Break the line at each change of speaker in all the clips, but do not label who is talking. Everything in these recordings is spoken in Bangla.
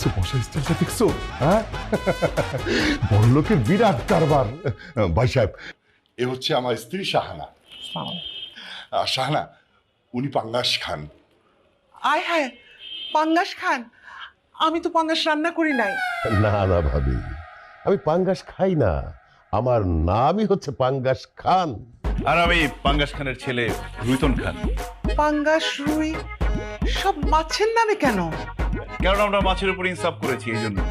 দেখছো বসা স্টাইলটা দেখছো? হ্যাঁ, বড় লোকের বিরাট কারবার। ভাই সাহেব, এ হচ্ছে আমার স্ত্রী শাহানা। শাহানা, উনি পাঙ্গাস খান।
আয় হায়, পাঙ্গাস খান? আমি তো পাঙ্গাস রান্না করি নাই।
না না ভাবি, আমি পাঙ্গাস খাই না, আমার নামই হচ্ছে পাঙ্গাস খান।
আর আমি পাঙ্গাস খানের ছেলে রুইতন খান।
পাঙ্গাস, রুই সব মাছের নামে কেন?
কারণ আমরা মাছের উপর ইনসাফ করেছি এই জন্য।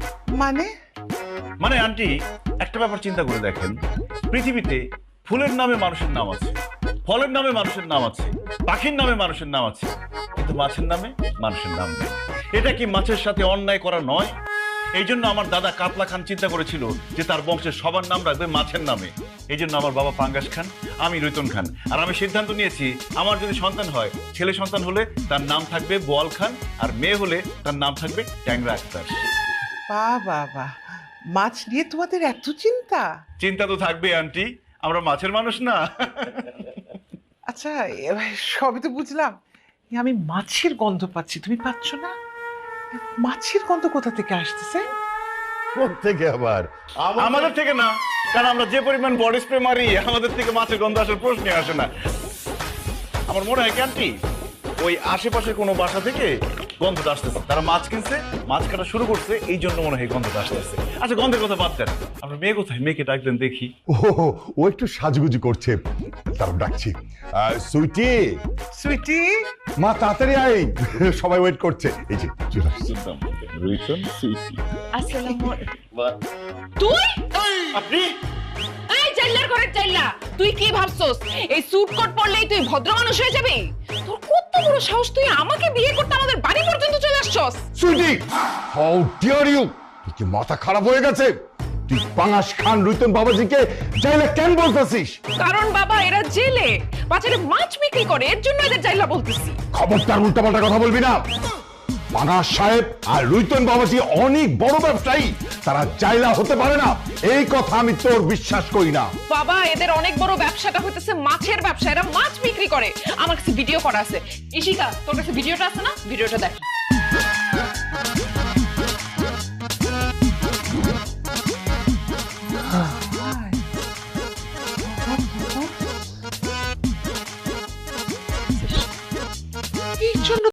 মানে
আন্টি, একটা ব্যাপার চিন্তা করে দেখেন, পৃথিবীতে ফুলের নামে মানুষের নাম আছে, ফলের নামে মানুষের নাম আছে, পাখির নামে মানুষের নাম আছে, কিন্তু মাছের নামে মানুষের নাম নেই। এটা কি মাছের সাথে অন্যায় করা নয়? এই জন্য আমার দাদা কাতলা খান চিন্তা করেছিল যে তার বংশের সবার নাম রাখবে মাছের নামে। এই জন্য আমার বাবা পাঙ্গাস খান, আমি রুইতন খান। আর আমি সিদ্ধান্ত নিয়েছি, আমার যদি সন্তান হয়, ছেলে সন্তান হলে তার নাম থাকবে বোয়াল খান, আর মেয়ে হলে তার নাম থাকবে ট্যাংরা আক্তার।
বাবা, মাছ নিয়ে তোমাদের এত চিন্তা?
চিন্তা তো থাকবে আন্টি, আমরা মাছের মানুষ না?
আচ্ছা, এবার সবই তো বুঝলাম, আমি মাছের গন্ধ পাচ্ছি, তুমি পাচ্ছ না? মাছের গন্ধ কোথা থেকে আসতেছে?
থেকে আবার
আমাদের থেকে না, কারণ আমরা যে পরিমাণ বডি স্প্রে মারি, আমাদের থেকে মাছের গন্ধ আসার প্রশ্নই আসে না। আমার মনে হয় কি আন্টি, ওই আশেপাশে কোনো বাসা থেকে গন্ধটা আসতেছে, তারা মাছ কিনছে, মাছ কাটা শুরু করছে, এই জন্য মনে হয় গন্ধটা আসতেছে। আচ্ছা, গন্ধের কথা বাদ দেন, আমরা মেয়ে কোথায়? মেয়েকে ডাকলেন দেখি।
ও একটু সাজগুজি করছে, তার ডাকছি। সুইটি,
সুইটি,
মা তাড়াতাড়ি আয়, সবাই ওয়েট করছে। এই যে চলে আসছে।
তুই
আপনি
এই জাইলার ঘরে চাইলা, তুই কি ভাবছস এই স্যুট কোট পরলেই তুই ভদ্র মানুষ হয়ে যাবি? তোর কত বড় সাহস, তুই আমাকে বিয়ে করতে আমাদের বাড়ি পর্যন্ত চলে আসছস?
Sweetie, how dear you! তুই কি মাথা খারাপ হয়ে গেছে? তুই পাঙ্গাস খান রুইতন বাবাজিকে জাইলা কেন বলতেছিস?
কারণ বাবা, এরা জেলে বাজারে মাছ বিক্রি করে, এর জন্য এদের জাইলা বলতেছি।
খবরদার উল্টাপাল্টা কথা বলবি না। পাঙ্গাস সাহেব আর রুইতন বাবাজি অনেক বড় ব্যবসায়ী, তারা জাইলা হতে পারে না, এই কথা আমি তোর বিশ্বাস করি না।
বাবা, এদের অনেক বড় ব্যবসাটা হইতেছে মাছের ব্যবসা, এরা মাছ বিক্রি করে। আমার কাছে ভিডিও করা আছে। ইশিকা, তোর কাছে ভিডিওটা আছে না? ভিডিওটা দেখ।